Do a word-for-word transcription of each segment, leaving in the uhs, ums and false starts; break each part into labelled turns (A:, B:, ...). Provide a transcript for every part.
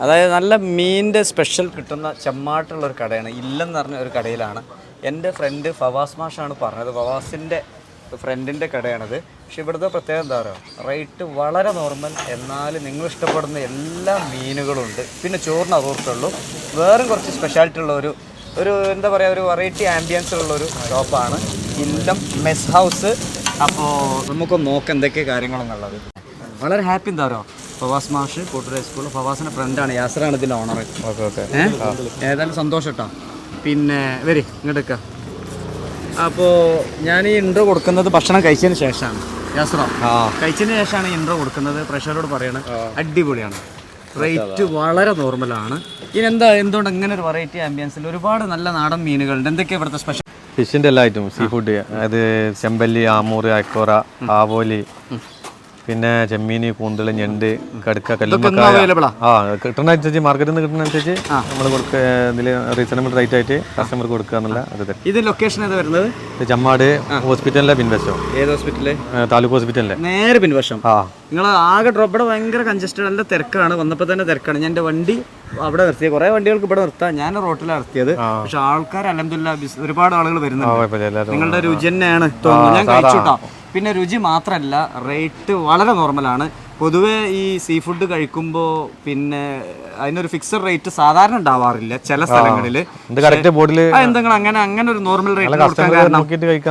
A: അതായത് നല്ല മീനിൻ്റെ സ്പെഷ്യൽ കിട്ടുന്ന ചെമ്മാട്ടുള്ളൊരു കടയാണ്. ഇല്ലെന്ന് പറഞ്ഞ ഒരു കടയിലാണ്. എൻ്റെ ഫ്രണ്ട് ഫവാസ് മാഷാണ് പറഞ്ഞത്. ഫവാസിൻ്റെ ഫ്രണ്ടിൻ്റെ കടയാണത്. പക്ഷെ ഇവിടുത്തെ പ്രത്യേകത എന്താ പറയുക, റേറ്റ് വളരെ നോർമൽ. എന്നാൽ നിങ്ങൾ ഇഷ്ടപ്പെടുന്ന എല്ലാ മീനുകളും ഉണ്ട്. പിന്നെ ചോറിന് അതോർത്തുള്ളൂ. വേറെ കുറച്ച് സ്പെഷ്യാലിറ്റി ഉള്ള ഒരു ഒരു എന്താ പറയുക, ഒരു വെറൈറ്റി ആംബിയൻസ് ഉള്ളൊരു ഷോപ്പാണ് ഇല്ലം മെസ് ഹൗസ്. അപ്പോൾ നമുക്കൊന്ന് നോക്കാം എന്തൊക്കെ കാര്യങ്ങളെന്നുള്ളത്. വളരെ ഹാപ്പി എന്താ പറയുക, ഫവാസ് മാഷ് കോട്ടൂർ ഹൈസ്കൂൾ, ഫവാസിൻ്റെ ഫ്രണ്ടാണ്, യാസറാണ് ഇതിൻ്റെ ഓണർ. ഓക്കെ ഓക്കെ ഏതായാലും സന്തോഷം കേട്ടോ. പിന്നെ വരി ഇങ്ങോട്ടേക്ക. അപ്പോൾ ഞാൻ ഈ ഇൻട്രോ കൊടുക്കുന്നത് ഭക്ഷണം കഴിച്ചതിന് ശേഷമാണ്. യാസറോ കഴിച്ചതിന് ശേഷമാണ് ഈ ഇൻട്രോ കൊടുക്കുന്നത്. പ്രഷറോട് പറയണം അടിപൊളിയാണ്, റേറ്റ് വളരെ നോർമലാണ്. ഇനി എന്താ എന്തുകൊണ്ട് ഇങ്ങനെ ഒരു വെറൈറ്റി ആംബിയൻസിൽ ഒരുപാട് നല്ല നാടൻ മീനുകളുണ്ട്. എന്തൊക്കെയാണ് ഇവിടുത്തെ സ്പെഷ്യൽ?
B: ഫിഷിൻ്റെ എല്ലാ ഐറ്റവും, സീ ഫുഡ്, അതായത് ചെമ്പല്ലി, ആമൂറ്, അയക്കോറ, ആവോലി, പിന്നെ ചെമ്മീന്, കൂന്തൽ, ഞണ്ട്, കടുക്ക, കല്ലുമ്മക്കായ. ആ കിട്ടുന്ന അനുസരിച്ച് മാർക്കറ്റിൽ നിന്ന് കിട്ടുന്ന അനുസരിച്ച് നമ്മൾ കൊടുക്കുക. ഇതിൽ റീസണബിൾ റേറ്റ് ആയിട്ട് കസ്റ്റമർക്ക് കൊടുക്കുക എന്നുള്ള അത്.
A: ഇത് ലൊക്കേഷൻ ഏതാ വരുന്നത്?
B: ചമ്മാട് ഹോസ്പിറ്റലിലെ പിൻവശം.
A: ഏത് ഹോസ്പിറ്റല്?
B: താലൂക്ക് ഹോസ്പിറ്റലിലെ
A: നേരെ പിൻവശം. ആ നിങ്ങൾ ആകെ ഡ്രോപ്പ് ഇവിടെ ഭയങ്കര കൺജസ്റ്റഡ്, നല്ല തിരക്കാണ്. വന്നപ്പോൾ തന്നെ തിരക്കാണ്. ഞാൻ എൻ്റെ വണ്ടി അവിടെ നിർത്തിയത്. കുറേ വണ്ടികൾക്ക് ഇവിടെ നിർത്താം, ഞാൻ റോട്ടിലാണ് നിർത്തിയത്. പക്ഷെ ആൾക്കാർ അൽഹംദുലില്ലാഹ് ഒരുപാട് ആളുകൾ വരുന്നുണ്ട്. നിങ്ങളുടെ രുചി തന്നെയാണ് തോന്നുന്നു. ഞാൻ കഴിച്ചുട്ടോ. പിന്നെ രുചി മാത്രമല്ല, റേറ്റ് വളരെ നോർമലാണ്. പൊതുവേ ഈ സീ ഫുഡ് കഴിക്കുമ്പോൾ പിന്നെ അതിനൊരു ഫിക്സഡ് റേറ്റ് സാധാരണ ഉണ്ടാവാറില്ല ചില സ്ഥലങ്ങളിൽ. എന്തെങ്കിലും അങ്ങനെ അങ്ങനെ ഒരു നോർമൽ റേറ്റ് കൊടുക്കാൻ കാരണം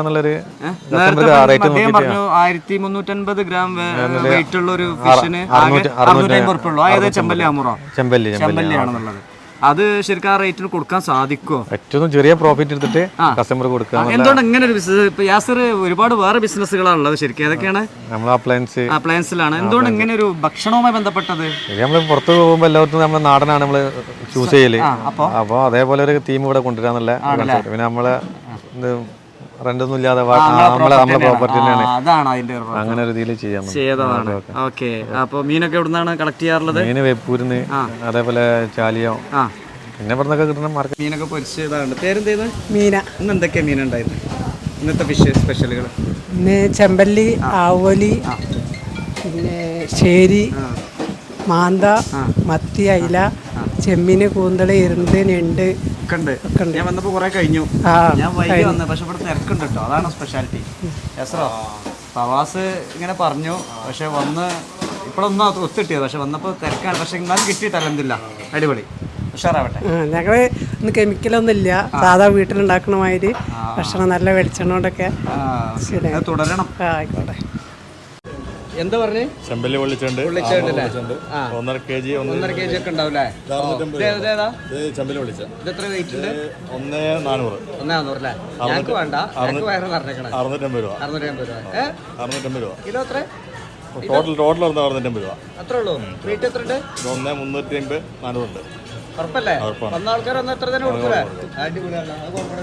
A: അദ്ദേഹം പറഞ്ഞു ആയിരത്തി മുന്നൂറ്റൻപത് ഗ്രാം വെയിറ്റ് ഉള്ള ഒരു ഫിഷിന് ആകെ അറുന്നൂറ്റി അമ്പത് ഉറുപ്പിക ഉള്ളൂ. അതായത് ചെമ്പല്ലി ആമൂറോ ചെമ്പല്ലിയാണെന്നുള്ളത്. അത് ശരിക്കും ആ റേറ്റിന് കൊടുക്കാൻ സാധിക്കുമോ?
B: ഏറ്റവും ചെറിയ പ്രോഫിറ്റ് എടുത്തിട്ട് കസ്റ്റമർ കൊടുക്കുക.
A: എന്തുകൊണ്ട് ഇങ്ങനെ ഒരു ബിസിനസ്? ഇപ്പൊ യാസർ ഒരുപാട് വേറെ ബിസിനസ്സുകളാണ് ഉള്ളത്. ശരിക്കും ഏതൊക്കെയാണ്?
B: അപ്ലയൻസ്
A: അപ്ലയൻസിലാണ്. എന്തുകൊണ്ട് ഇങ്ങനെ ഒരു ഭക്ഷണവുമായി ബന്ധപ്പെട്ടത്?
B: നമ്മള് പുറത്ത് പോകുമ്പോൾ എല്ലാവർക്കും നമ്മുടെ നാടനാണ് നമ്മള് ചൂസ് ചെയ്യല്. അപ്പൊ അതേപോലെ ഒരു തീം ഇവിടെ കൊണ്ടുവരാന്നുള്ള. പിന്നെ നമ്മളെ റെന്റൊന്നും ഇല്ലാതെ നമ്മളെ നമ്മളെ പ്രോപ്പർട്ടി തന്നെയാണ്.
A: അതാണ് അതിന്റെ
B: അങ്ങനെ ഒരു രീതിയിൽ ചെയ്യാം.
A: ഓക്കെ. അപ്പൊ മീനൊക്കെ എവിടുന്നാണ് കളക്ട് ചെയ്യാറുള്ളത്?
B: മീന് വേപ്പൂരിന്ന്, അതേപോലെ ചാലിയോ, പിന്നെ ഇവിടുന്നൊക്കെ കിട്ടുന്ന മാർക്കറ്റ്.
A: മീനൊക്കെ പൊരിച്ചതാണ്. പേരെന്തേത്? മീന. ഇന്ന് എന്തൊക്കെയാ മീൻ ഉണ്ടായിരുന്നു ഇന്നത്തെ ഫിഷ് സ്പെഷ്യലുകൾ?
C: ഇന്ന് ചെമ്പല്ലി, ആവോലി, പിന്നെ ശേരി, മാന്ത, മത്തി, അയില, ചെമ്മീന്, കൂന്തള്, ഇരുണ്ട്, ഞണ്ട്
A: ഒക്കെ ഉണ്ട്. ഞാൻ വന്നപ്പോൾ കുറെ കഴിഞ്ഞു. ഞാൻ വൈകി വന്നത്, പക്ഷെ ഇവിടെ തിരക്കുണ്ട് കേട്ടോ. അതാണ് സ്പെഷ്യാലിറ്റി. യസ്രോ ഫവാസ് ഇങ്ങനെ പറഞ്ഞു, പക്ഷെ വന്ന് ഇപ്പോഴൊന്നും ഒത്തിട്ടിയത്. പക്ഷെ വന്നപ്പോൾ തിരക്കാണ്. പക്ഷെ എന്നാലും കിട്ടിയിട്ട് അൽഹംദുലില്ലാ അടിപൊളി ഉഷാറാവട്ടെ.
C: ഞങ്ങള് ഇന്ന് കെമിക്കലൊന്നും ഇല്ല, സാധാ വീട്ടിലുണ്ടാക്കണ മാതിരി ഭക്ഷണം, നല്ല വെളിച്ചെണ്ണ കൊണ്ടൊക്കെ
A: തുടരണം.
C: ആയിക്കോട്ടെ.
A: എന്താ പറഞ്ഞേ?
B: ചെമ്പല്ലി പൊള്ളിച്ചുണ്ട്, ഒന്നര കെ ജി
A: ഒന്നര കെ ജി ഒക്കെ ഉണ്ടാവില്ലേ?
B: ചെമ്പല്ലി പൊള്ളിച്ച
A: ഇത് എത്ര വെയിറ്റ് ഉണ്ട്?
B: ഒന്നേ നാനൂറ്.
A: ഒന്നേ നാനൂറ് അല്ലേ? ഞങ്ങൾക്ക് വേണ്ട, ഞങ്ങൾക്ക് വയറ് നിറഞ്ഞേക്കണം.
B: അറുന്നൂറ്റമ്പത് രൂപ.
A: അറുന്നൂറ്റമ്പത് രൂപ.
B: അറുന്നൂറ്റമ്പത് രൂപ കിലോ.
A: എത്ര
B: ടോട്ടൽ? ടോട്ടൽ അറുന്നൂറ്റമ്പത് രൂപ.
A: അത്രേ ഉള്ളൂ. വെയിറ്റ് എത്ര ഉണ്ട്?
B: ഒന്നേ മുന്നൂറ്റി അമ്പത് നാനൂറുണ്ട്.
A: ഉറപ്പല്ലേ? വന്ന ആൾക്കാർ ഒന്ന് എത്ര തന്നെ കൊടുക്കൂലേ? അടിപൊളിയാണ്.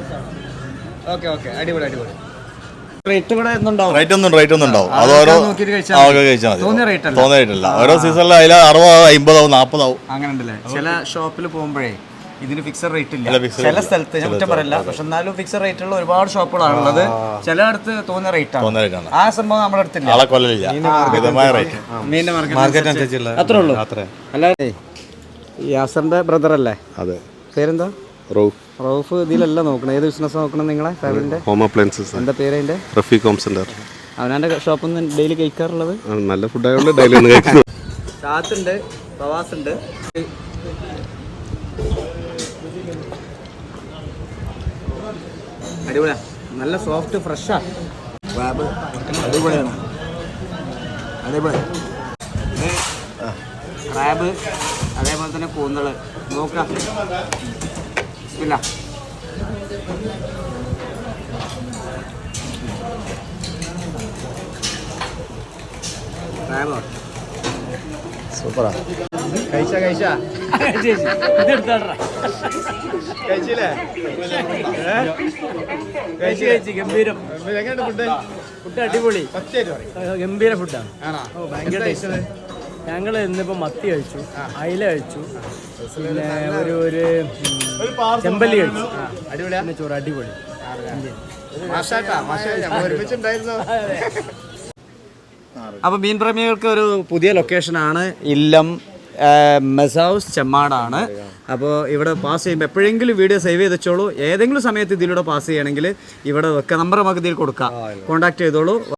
A: ഓക്കെ ഓക്കെ, അടിപൊളി അടിപൊളി. റേറ്റ് കൂടെ റേറ്റ് ഒന്നും റേറ്റ് ഒന്നും ഉണ്ടാവും. അത് ഓരോ കഴിച്ചാൽ തോന്നിയ റേറ്റ് തോന്നിയ റേറ്റ് അല്ല. ഓരോ സീസണിൽ അതിൽ അറുപതാവും, അമ്പതാവും, നാൽപ്പതാവും അങ്ങനെ ഉണ്ടല്ലേ. ചില ഷോപ്പിൽ പോകുമ്പോഴേ ഇതിന് ഫിക്സഡ് റേറ്റ് ഇല്ല. ചില സ്ഥലത്ത് ഞാൻ കുറ്റം പറയില്ല, പക്ഷെ എന്നാലും ഫിക്സഡ് റേറ്റ് ഉള്ള ഒരുപാട് ഷോപ്പുകളാണുള്ളത്. ചിലയിടത്ത് തോന്നിയ റേറ്റ് ആണ്. ആ സംഭവം നമ്മുടെ അടുത്തില്ല. മീനിന്റെ മാർക്കറ്റ് അത്രേ ഉള്ളൂ. അല്ലാതെ യാസറിന്റെ ബ്രദർ അല്ലേ? അതെ. പേരെന്താ? റൌഫ്. റൌഫ് ഇതിലല്ല നോക്കണം. ഏത് ബിസിനസ് നോക്കണം നിങ്ങളെ ഫാമിലിന്റെ?
D: Home appliances.
A: എന്താ പേര് അതിന്റെ?
D: Rafeeq home centre.
A: അവനാന്റെ ഷോപ്പിൽ നിന്ന് ഡെയിലി കഴിക്കാറുള്ളത്?
D: നല്ല ഫുഡ് ആയതുകൊണ്ട് ഡെയിലി ഒന്ന് കഴിക്കുന്നു.
A: ഷാത്തുണ്ട്, പ്രവാസ് ഉണ്ട്. അടിപൊളിയാ, നല്ല സോഫ്റ്റ് ഫ്രഷാ. അടിപൊളിയാണ്, അടിപൊളി. ക്രാബ്, അതേപോലെ തന്നെ കൂന്തള് നോക്കാം. ഇല്ല ക്രാബോ സൂപ്പറാ. കഴിച്ച കഴിച്ച കഴിച്ചില്ലേ? കഴിച്ച് കഴിച്ച് ഗംഭീരം. ഫുഡ് അടിപൊളി, ഗംഭീര ഫുഡാണ്. ഭയങ്കര ടേസ്റ്റ്. ഞങ്ങൾ ഇന്നിപ്പോൾ മത്തി കഴിച്ചു, അയില കഴിച്ചു, പിന്നെ ഒരു ഒരു ചെമ്പല്ലി കഴിച്ചു. അടിപൊളിയാണ് ചോറ്, അടിപൊളി. അപ്പോൾ മീൻ പ്രേമികൾക്ക് ഒരു പുതിയ ലൊക്കേഷനാണ് ഇല്ലം മെസൗസ് ചെമ്മാടാണ്. അപ്പോൾ ഇവിടെ പാസ് ചെയ്യുമ്പോൾ എപ്പോഴെങ്കിലും വീഡിയോ സേവ് ചെയ്ത് വെച്ചോളൂ. ഏതെങ്കിലും സമയത്ത് ഇതിലൂടെ പാസ് ചെയ്യണമെങ്കിൽ ഇവിടെ വെക്കുക. നമ്പർ നമുക്ക് ഇതിൽ കൊടുക്കാം, കോൺടാക്ട് ചെയ്തോളൂ.